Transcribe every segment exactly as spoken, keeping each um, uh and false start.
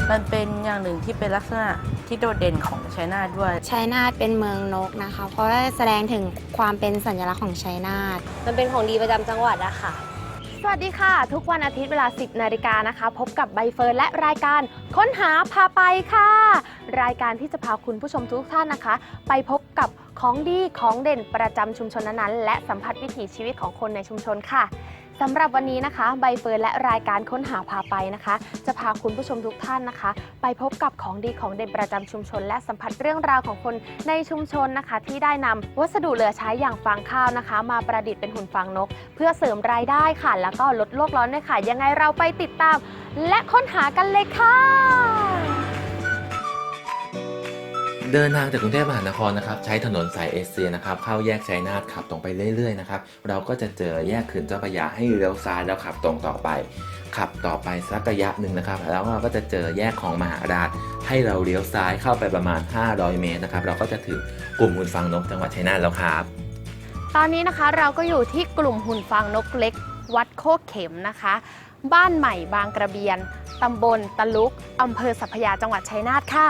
มันเป็นอย่างหนึ่งที่เป็นลักษณะที่โดดเด่นของชัยนาทด้วยชัยนาทเป็นเมืองนกนะคะเพราะว่าแสดงถึงความเป็นสัญลักษณ์ของชัยนาทมันเป็นของดีประจำจังหวัดอะค่ะสวัสดีค่ะทุกวันอาทิตย์เวลา สิบนาฬิกานะคะพบกับใบเฟิร์นและรายการค้นหาพาไปค่ะรายการที่จะพาคุณผู้ชมทุกท่านนะคะไปพบกับของดีของเด่นประจำชุมชนนั้นๆและสัมผัสวิถีชีวิตของคนในชุมชนค่ะสำหรับวันนี้นะคะใบเฟิร์นและรายการค้นหาพาไปนะคะจะพาคุณผู้ชมทุกท่านนะคะไปพบกับของดีของเด่นประจำชุมชนและสัมผัสเรื่องราวของคนในชุมชนนะคะที่ได้นำวัสดุเหลือใช้อย่างฟางข้าวนะคะมาประดิษฐ์เป็นหุ่นฟางนกเพื่อเสริมรายได้ค่ะแล้วก็ลดโลกร้อนด้วยค่ะยังไงเราไปติดตามและค้นหากันเลยค่ะเดินทางจากกรุงเทพมหานครนะครับใช้ถนนสายเอเชียนะครับเข้าแยกชัยนาทขับตรงไปเรื่อยๆนะครับเราก็จะเจอแยกเขื่อนเจ้าพระยาให้เลี้ยวซ้ายแล้วขับตรงต่อไปขับต่อไปสักระยะหนึ่งนะครับแล้วเราก็จะเจอแยกของมหาราชให้เราเลี้ยวซ้ายเข้าไปประมาณห้าร้อยเมตรนะครับเราก็จะถึงกลุ่มหุ่นฟางนกจังหวัดชัยนาทแล้วครับตอนนี้นะคะเราก็อยู่ที่กลุ่มหุ่นฟางนกเล็กวัดโคกเข็มนะคะบ้านใหม่บางกระเบียนตำบลตะลุกอำเภอสัพพยาจังหวัดชัยนาทค่ะ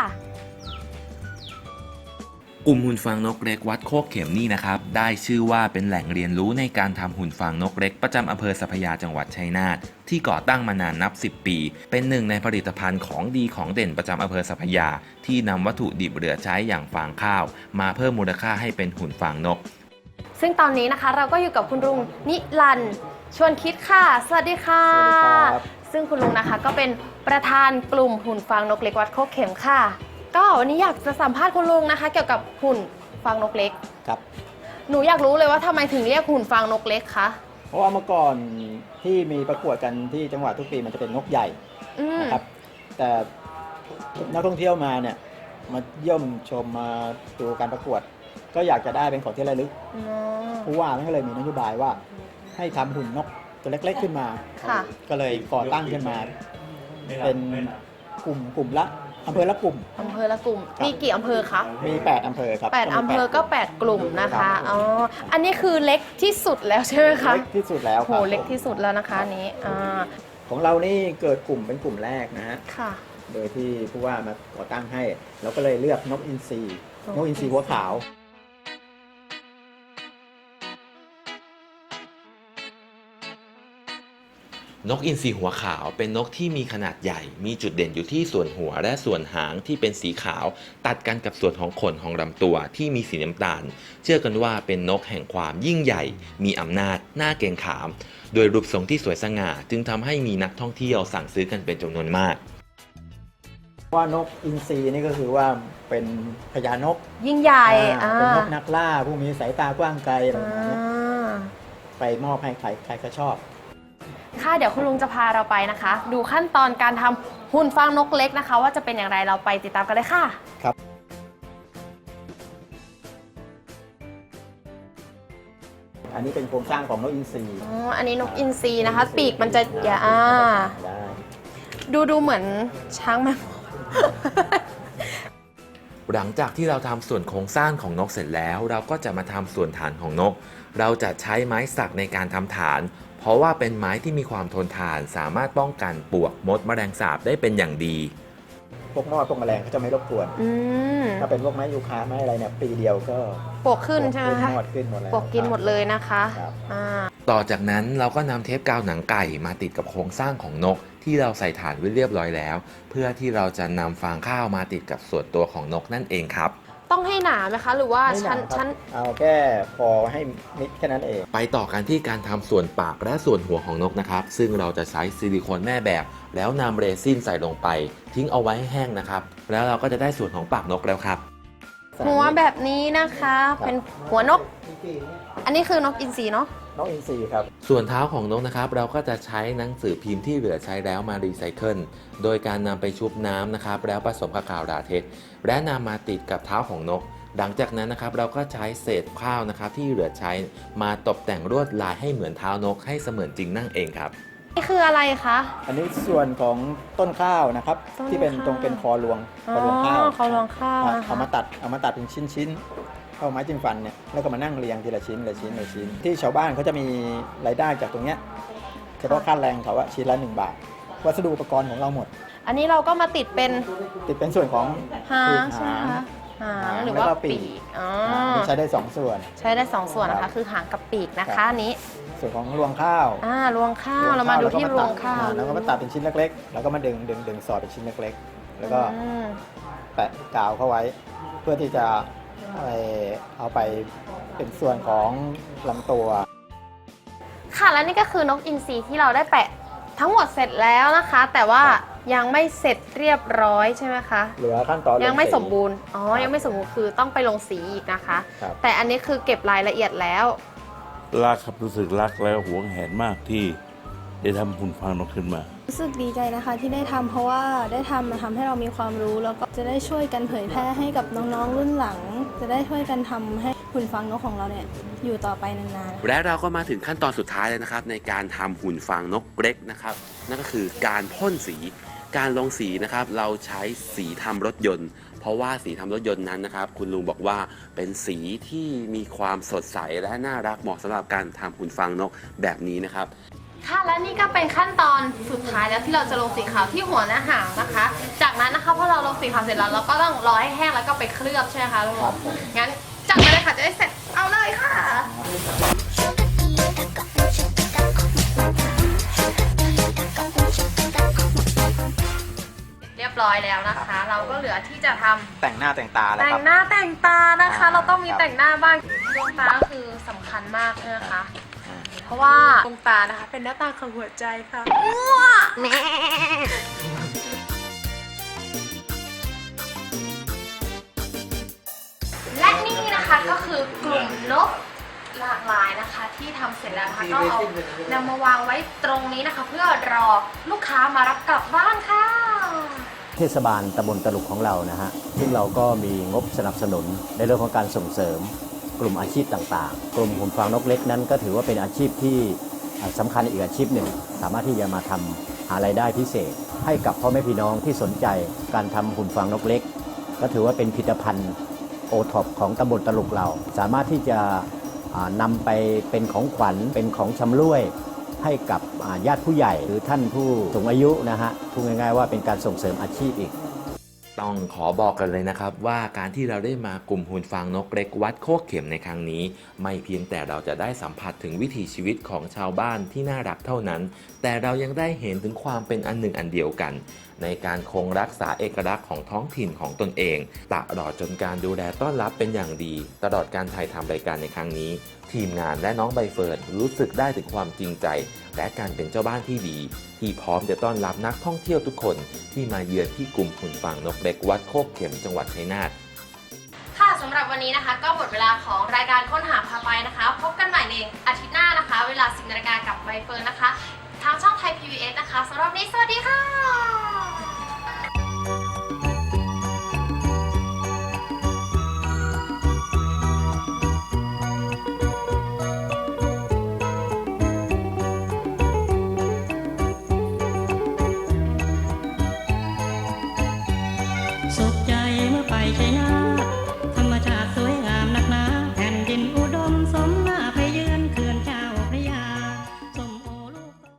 กลุ่มหุ่นฟางนกเล็กวัดโคกเข็มนี่นะครับได้ชื่อว่าเป็นแหล่งเรียนรู้ในการทำหุ่นฟางนกเล็กประจำอำเภอสัพพยาจังหวัดชัยนาทที่ก่อตั้งมานานนับสิบปีเป็นหนึ่งในผลิตภัณฑ์ของดีของเด่นประจำอำเภอสัพพยาที่นำวัตถุดิบเหลือใช้อย่างฟางข้าวมาเพิ่มมูลค่าให้เป็นหุ่นฟางนกซึ่งตอนนี้นะคะเราก็อยู่กับคุณลุงนิรันดร์ชวนคิดค่ะสวัสดีค่ะสวัสดีครับซึ่งคุณลุงนะคะก็เป็นประธานกลุ่มหุ่นฟางนกเล็กวัดโคกเข็มค่ะก็วันนี้อยากจะสัมภาษณ์คุณลุงนะคะเกี่ยวกับหุ่นฟางนกเล็กครับหนูอยากรู้เลยว่าทำไมถึงเรียกหุ่นฟางนกเล็กคะเพราะว่าเมื่อก่อนที่มีประกวดกันที่จังหวัดทุกปีมันจะเป็นนกใหญ่นะครับแต่นักท่องเที่ยวมาเนี่ยมาเยี่ยมชมมาดูการประกวดก็อยากจะได้เป็นของที่ระลึกผู้ว่าก็เลยมีนโยบายว่าให้ทำหุ่นนกตัวเล็กๆขึ้นมาก็เลยก่อตั้งขึ้นมาเป็นกลุ่มกลุ่มละอำเภอละกลุ่มอำเภอละกลุ่มมีกี่อำเภอคะมีแปดอำเภอครับแปดอำเภอก็แปดกลุ่มนะคะอ๋ออันนี้คือเล็กที่สุดแล้วใช่ไหมคะเล็กที่สุดแล้วโหเล็กที่สุดแล้วนะคะอันนี้อ่าของเรานี่เกิดกลุ่มเป็นกลุ่มแรกนะฮะค่ะโดยที่ผู้ว่ามาก่อตั้งให้เราก็เลยเลือกนกอินทรีนกอินทรีหัวขาวนกอินทรีหัวขาวเป็นนกที่มีขนาดใหญ่มีจุดเด่นอยู่ที่ส่วนหัวและส่วนหางที่เป็นสีขาวตัดกันกับส่วนของขนของลำตัวที่มีสีน้ำตาลเชื่อกันว่าเป็นนกแห่งความยิ่งใหญ่มีอำนาจน่าเกรงขามโดยรูปทรงที่สวยสง่าจึงทำให้มีนักท่องเที่ยวสั่งซื้อกันเป็นจำนวนมากว่านกอินทรีนี่ก็คือว่าเป็นพญานกยิ่งใหญ่เป็นนกนักล่าผู้มีสายตากว้างไกลอะไรแบบนี้ไปมอบให้ใครใครก็ชอบค่ะเดี๋ยวคุณลุงจะพาเราไปนะคะดูขั้นตอนการทำหุ่นฟางนกเล็กนะคะว่าจะเป็นอย่างไรเราไปติดตามกันเลยค่ะครับอันนี้เป็นโครงสร้างของนกอินทรีอ๋ออันนี้นกอินทรีนะคะปีกมันจะอย่าอ่าดูดูเหมือนช้างแมวหลังจากที่เราทำส่วนโครงสร้างของนกเสร็จแล้วเราก็จะมาทำส่วนฐานของนกเราจะใช้ไม้สักในการทำฐานเพราะว่าเป็นไม้ที่มีความทนทานสามารถป้องกันปลวกมดแมลงสาบได้เป็นอย่างดีพวกมอดพวกแมลงเขาจะไม่รบกวนถ้าเป็นพวกไม้ยูคาไม้อะไรเนี่ยปีเดียวก็ปลวกขึ้นใช่ไหมคะมอดขึ้นหมดแล้วปลวกกินหมดเลยนะคะต่อจากนั้นเราก็นำเทปกาวหนังไก่มาติดกับโครงสร้างของนกที่เราใส่ฐานไว้เรียบร้อยแล้วเพื่อที่เราจะนำฟางข้าวมาติดกับส่วนตัวของนกนั่นเองครับต้องให้หนาไหมคะหรือว่าชั้นชั้นเอาแค่พอให้มิดแค่นั้นเองไปต่อกันที่การทำส่วนปากและส่วนหัวของนกนะครับซึ่งเราจะใช้ซิลิโคนแม่แบบแล้วนำเรซินใส่ลงไปทิ้งเอาไว้ให้แห้งนะครับแล้วเราก็จะได้ส่วนของปากนกแล้วครับหัวแบบนี้นะคะเป็นหัวนกอันนี้คือนกอินทรีเนาะนกอินทรีครับส่วนเท้าของนกนะครับเราก็จะใช้หนังสือพิมพ์ที่เหลือใช้แล้วมารีไซเคิลโดยการนำไปชุบน้ำนะครับแล้วผสมกับกาวลาเท็กซ์และนำมาติดกับเท้าของนกหลังจากนั้นนะครับเราก็ใช้เศษข้าวนะครับที่เหลือใช้มาตกแต่งลวดลายให้เหมือนเท้านกให้เสมือนจริงนั่งเองครับนี่คืออะไรคะอันนี้ส่วนของต้นข้าวนะครับที่เป็นตรงเป็นคอรวงคอรวงข้าวคอรวงข้าวเอามาตัดเอามาตัดเป็นชิ้นๆเข้าไม้จิ้มฟันเนี่ยแล้วก็มานั่งเรียงทีละชิ้นละชิ้นละชิ้นที่ชาวบ้านเขาจะมีรายได้จากตรงเนี้ยเฉพาะค่าแรงเขาว่าชิ้นละหนึ่งบาทวัสดุอุปกรณ์ของเราหมดอันนี้เราก็มาติดเป็นติดเป็นส่วนของหางปีกใช่ไหมหางคะหางหางหรือแล้วว่าก็ปีปีกกอ๋ออ่าใช้ได้สองส่วนใช้ได้สองส่วนนะครัคะบคือหางกับปีกนะครัคะบอันนี้ส่วนของรวงข้าวอ่ารวงข้าวเรามาดูที่รวงข้าวอ่แล้วก็มาตัดเป็นชิ้นเล็กๆ แล้วก็มาดึงดึงดึงสอดเป็นชิ้นเล็กๆ แล้วก็อืมแปะกาวเข้าไว้ เพื่อที่จะเอ่อเอาไปเป็นส่วนของลำตัวค่ะและนี่ก็คือนกอินทรีที่เราได้แปะทั้งหมดเสร็จแล้วนะคะ แต่ว่ายังไม่เสร็จเรียบร้อยใช่ไหมคะเหลือขั้นตอนลยังไม่สีสมบูรณ์อ๋อครับยังไม่สมบูรณ์คือต้องไปลงสีอีกนะคะครับแต่อันนี้คือเก็บรายละเอียดแล้วรักครับรู้สึกรักแล้วหวงแหนมากที่ได้ทำหุ่นฟางนกขึ้นมารู้สึกดีใจนะคะที่ได้ทำเพราะว่าได้ทำมาทำให้เรามีความรู้ แล้วก็จะได้ช่วยกันเผยแพร่ให้กับน้องๆรุ่นหลัง จะได้ช่วยกันทำให้หุ่นฟางนกของเราเนี่ยอยู่ต่อไปนานๆและเราก็มาถึงขั้นตอนสุดท้ายเลยนะครับในการทำหุ่นฟางนกเล็กนะครับนั่นก็คือการพ่นสีการลงสีนะครับเราใช้สีทำรถยนต์ เพราะว่าสีทำรถยนต์นั้นนะครับคุณลุงบอกว่าเป็นสีที่มีความสดใสและน่ารักเหมาะสำหรับการทำหุ่นฟางนกแบบนี้นะครับค่ะและนี่ก็เป็นขั้นตอนสุดท้ายแล้วที่เราจะลงสีขาวที่หัวหน้าหางนะคะ จากนั้นนะคะพอเราลงสีขาวเสร็จแล้วเราก็ต้องรอให้แห้งแล้วก็ไปเคลือบใช่ไหมคะลุงครับผมงั้นจัดไปเลยค่ะจะได้เสร็จเอาเลยค่ะ เรียบร้อยแล้วนะคะ เราก็เหลือที่จะทำแต่งหน้าแต่งตาแล้วแต่คงรับหน้าแต่งตานะคะอ่าเราต้องมีครับแต่งหน้าบ้างดวงตาก็คือสำคัญมากเลยนะคะ เพราะว่าดวงตานะคะเป็นหน้าตาของหัวใจค่ะและนี่นะคะก็คือกลุ่มนกหลากหลายนะคะ ที่ทำเสร็จแล้วนะคะก็เอานำมาวางไว้ตรงนี้นะคะ เพื่อรอลูกค้ามารับกลับบ้านค่ะเทศบาลตำบลตลุกของเรานะฮะ ซึ่งเราก็มีงบสนับสนุนในเรื่องของการส่งเสริมกลุ่มอาชีพต่างๆ กลุ่มหุ่นฟางนกเล็กนั้นก็ถือว่าเป็นอาชีพที่สำคัญอีกอาชีพหนึ่ง สามารถที่จะมาทำหารายได้พิเศษ ให้กับพ่อแม่พี่น้องที่สนใจการทำหุ่นฟางนกเล็ก ก็ถือว่าเป็นผลิตภัณฑ์โอท็อปของตำบลตลุกเรา สามารถที่จะอ่านำไปเป็นของขวัญเป็นของชำร่วย ให้กับอ่าญาติผู้ใหญ่หรือท่านผู้สูงอายุนะฮะพูดง่ายๆว่าเป็นการส่งเสริมอาชีพอีกต้องขอบอกกันเลยนะครับว่าการที่เราได้มากลุ่มหุ่นฟางนกเล็กวัดโคกเข็มในครั้งนี้ ไม่เพียงแต่เราจะได้สัมผัสถึงวิถีชีวิตของชาวบ้านที่น่ารักเท่านั้น แต่เรายังได้เห็นถึงความเป็นอันหนึ่งอันเดียวกัน ในการคงรักษาเอกลักษณ์ของท้องถิ่นของตนเองตลอดจนการดูแลต้อนรับเป็นอย่างดี ตลอดการถ่ายทำรายการในครั้งนี้ ทีมงานและน้องใบเฟิร์นรู้สึกได้ถึงความจริงใจ และการเป็นเจ้าบ้านที่ดี ที่พร้อมจะต้อนรับนักท่องเที่ยวทุกคนที่มาเยือนที่กลุ่มหุ่นฟางนกเล็กวัดโคกเข็มจังหวัดชัยนาทค่ะสำหรับวันนี้นะคะ ก็หมดเวลาของรายการค้นหาพาไปนะคะ พบกันใหม่ในอาทิตย์หน้านะคะ เวลาสิบนาฬิกากับใบเฟิร์นนะคะ ทางช่องไทย พี บี เอส นะคะสำหรับวันนี้สวัสดีค่ะสุขใจเมื่อไปชัยนา